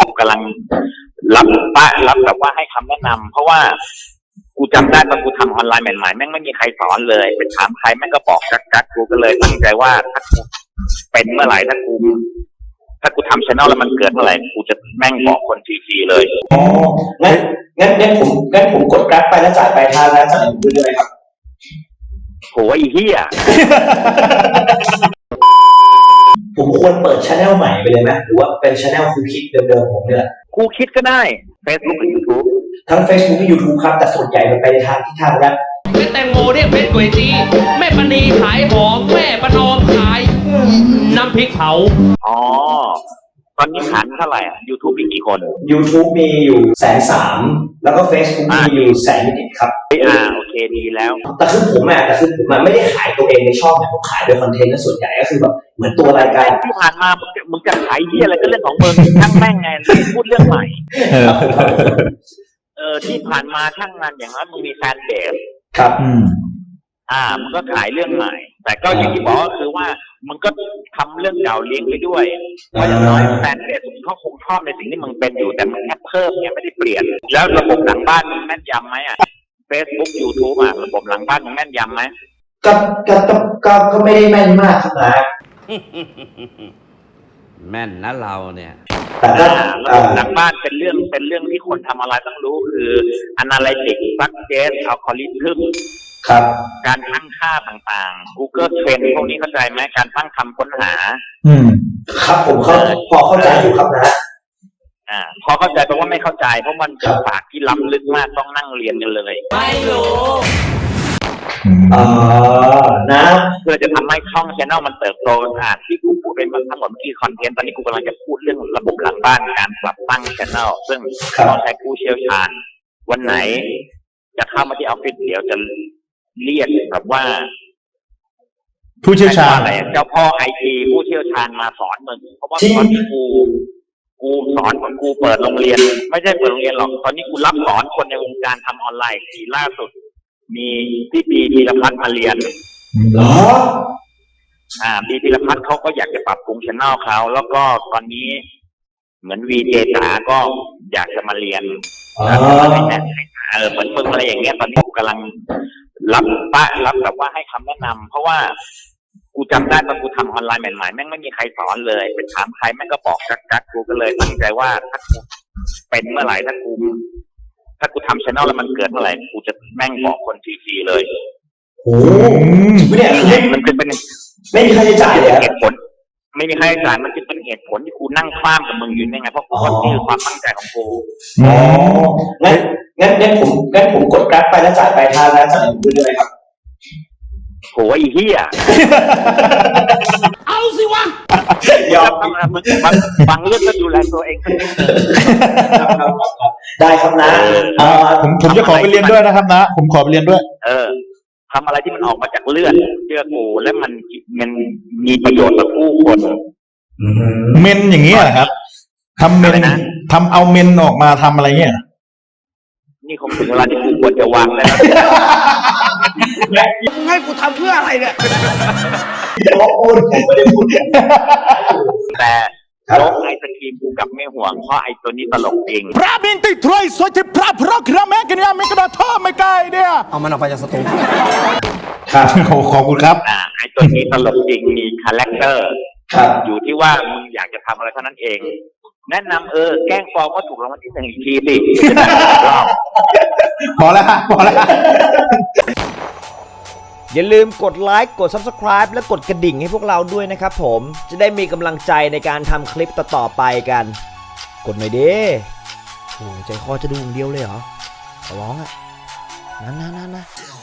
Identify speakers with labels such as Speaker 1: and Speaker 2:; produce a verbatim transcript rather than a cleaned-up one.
Speaker 1: กูกำลังรับปะรับแบบว่าให้คำแนะนำเพราะว่ากูจำได้ตอนกูทำออนไลน์ใหม่ๆแม่งไม่มีใครสอนเลยไปถามใครแม่งก็บอกกักๆกูก็เลยตั้งใจว่าถ้ากูเป็นเมื่อไหร่ถ้ากูถ้ากูทำช่องแล้วมันเกิดเมื่อไหร่กูจะแม่งบอกคนฟรีๆเลย
Speaker 2: อ๋องั้นงั้นงั้นผมงั้นผมกดกราฟไปแล้วจ่ายปลายทางแล้วจ่ายเงินด้วยครับ
Speaker 1: โหไอ้เหี้ย
Speaker 2: ผมควรเปิดช anel ใหม่ไปเลยไหมหรือว่าเป็นช anel ครูคิดเดิมๆผมเนี่ย
Speaker 1: ครูคิดก็ได้ Facebook กับ YouTube
Speaker 2: ทั้ง Facebook และ YouTube ครับแต่ส่วนใหญ่มันไปในทางที่ทางแรป
Speaker 3: แม่แตงโมเรียกเพชรก๋วยจีแม่ปณีขายหอมแม่ประนอมขายน้ำพริกเผา
Speaker 1: อ๋อตอนนี้ฐานเท่าไหร่อ่ะ YouTube มีกี่คน
Speaker 2: YouTube มีอยู่แสนสามแล้วก็ Facebook มีอยู่แสนนิดครับ
Speaker 1: อ่าโอเคดีแล้ว
Speaker 2: แต่คือผมอ่ะแต่คือผมอ่ะไม่ได้ขายตัวเองในช่องแต่ผมขายโดยคอนเทนต์และส่วนใหญ่ก็คือแบบเหมือนตัวรายการ
Speaker 1: ที่ผ่านมามึงจะขายเหี้ยอะไรก็เรื่องของมึงช่างแม่งไงพูดเรื่องใหม่เออที่ผ่านมาช่างงานอย่างนั้นมึงมีแฟนเบส
Speaker 2: ครับอืม
Speaker 1: อ่ามึงก็ขายเรื่องใหม่แต่ก็อย่างที่บอกก็คือว่ามึงก็ทำเรื่องเก่าเลี้ยงไปด้วยเพราะอย่างน้อยแฟนเพจมึงเขาคงชอบในสิ่งที่มึงเป็นอยู่แต่มึงแค่เพิ่มเนี่ยไม่ได้เปลี่ยนแล้วระบบหลังบ้านมึงแม่นยำไหมอ่ะ Facebook YouTube อ่ะระบบหลังบ้านมึงแม่นยำไหม
Speaker 2: ก็ก็ก็ก็ไม่ได้แม่นมากครับนะ
Speaker 3: แม่นนะเราเนี่ย
Speaker 1: แต่ระบบหลังบ้านเป็นเรื่องเป็นเรื่องที่คนทำอะไรต้องรู้คือ Analytics Success Algorithm
Speaker 2: ครับ
Speaker 1: การตั้งค่าต่างๆ Google Trend พวกนี้เข้าใจไหมการตั้งคำค้นหา
Speaker 2: อืมครับผมเข้าพอเข้าใจอยู่ครับนะ
Speaker 1: อ่าพอเข้าใจเพราะว่าไม่เข้าใจเพราะมันเป็นศาสตร์ที่ล้ำลึกมากต้องนั่งเรียนกันเลย
Speaker 3: ไม่รู้
Speaker 2: อ่านะ
Speaker 1: เพื่อจะทำให้ช่อง channel มันเติบโตอ่าที่กูพูดเป็นทั้งหมดเมื่อกี้คอนเทนต์ตอนนี้กูกำลังจะพูดเรื่องระบบหลังบ้านการปรับตั้ง channel ซึ่งต้องใช้ผู้เชี่ยวชาญวันไหนจะเข้ามาที่ออฟฟิศเดี๋ยวจะเรียกแบบว่า
Speaker 2: ผู้เชี่ยวชาญ
Speaker 1: อะไรเจ้าพ่อไอทีผู้เชี่ยวชาญมาสอนมึงเพราะว่าตอนที่กูกูสอนคนกูเปิดโรงเรียนไม่ใช่เปิดโรงเรียนหรอกตอนนี้กูรับสอนคนในวงการทำออนไลน์ทีล่าสุดมีพี่ปีพีรพัฒน์มาเรียน
Speaker 2: เหรอ
Speaker 1: อ่าปีพีรพัฒน์เขาก็อยากจะปรับปรุงช่องเขาแล้วก็ตอนนี้เหมือนวีเจจ๋าก็อยากจะมาเรียนเออเหมือนมึงอะไรอย่างเงี้ยตอนนี้กูกำลังรับปะรับแบบว่าให้คำแนะนำเพราะว่ากูจำได้ตอนกูทำออนไลน์ใหม่ๆแม่งไม่มีใครสอนเลยไปถามใครแม่งก็บอกกักๆกูก็เลยตั้งใจว่าถ้ากูเป็นเมื่อไหร่ถ้ากูถ้ากูทำช่องแล้วมันเกิดเมื่อไหร่กูจะแม่งบอกคนฟรีๆเลย
Speaker 2: โอ้เนี่ย
Speaker 1: มันเป็นเป็น
Speaker 2: ไม่มีค่าใช้จ่ายเลย
Speaker 1: เหตุผลไม่มีค่าใช้จ่ายมันจะเป็นเหตุผลที่กูนั่งคว้ามกับมึงอยู่นี่ไงเพราะกูนี่คือความตั้งใจของกู
Speaker 2: อ๋องั้นงั้นงั้นผมงั้นผมกดกราฟไปแล้วจ่ายปลายทางแล้วจ่ายเงินด้วยครับ
Speaker 1: โหไอ้เหี้ย
Speaker 3: เอาสิวะ
Speaker 1: ยอมมึงฟังเรื่องก็ดูแลตัวเองสักนิด
Speaker 2: ได้ครับนะ
Speaker 4: ผมผมจะขอไปเรียนด้วยนะครับนะผมขอไปเรียนด้วย
Speaker 1: เออทำอะไรที่มันออกมาจากเลือดเชื่อกูและมันมันมีประโยชน์ต่อผู้คน
Speaker 4: เมนอย่างนี้เหรอครับทำเมนทำเอาเมนออกมาทำอะไรเงี้ย
Speaker 1: นี่คงถึงเวลาที่กูควรจะวางแล้ว
Speaker 3: มึงให้กูทำเพื่ออะไรเนี่ย
Speaker 2: พูดไม่ได้พูด
Speaker 1: แต่โลกไอศครีมกูกับไม่ห่วงเพราะไอตัวนี้ตลกจริง
Speaker 4: พระบินติดทรอยสวยที่พระพระกระแมกันยาไม่กระดาท่อไม่ไกลเนี่ย
Speaker 3: เอามันออกไปจากสตู
Speaker 4: ครับขอบคุณครับ
Speaker 1: อ่าไอตัวนี้ตลกจริงมีคาแรคเตอร์อยู่ที่ว่ามึงอยากจะทำอะไรเท่านั้นเองแนะนำเออแกล้งฟอร์มว่าถูกรางวัลที่หนึ่งอีกทีสิ
Speaker 4: พอแล้วพอแล้ว
Speaker 5: อย่าลืมกดไลค์กด ซับสไครบ์ และกดกระดิ่งให้พวกเราด้วยนะครับผมจะได้มีกำลังใจในการทำคลิปต่อๆไปกันกดหน่อยดิโอ้ใจคอจะดูอย่างเดียวเลยเหรอขอร้องอ่ะนั่นๆๆ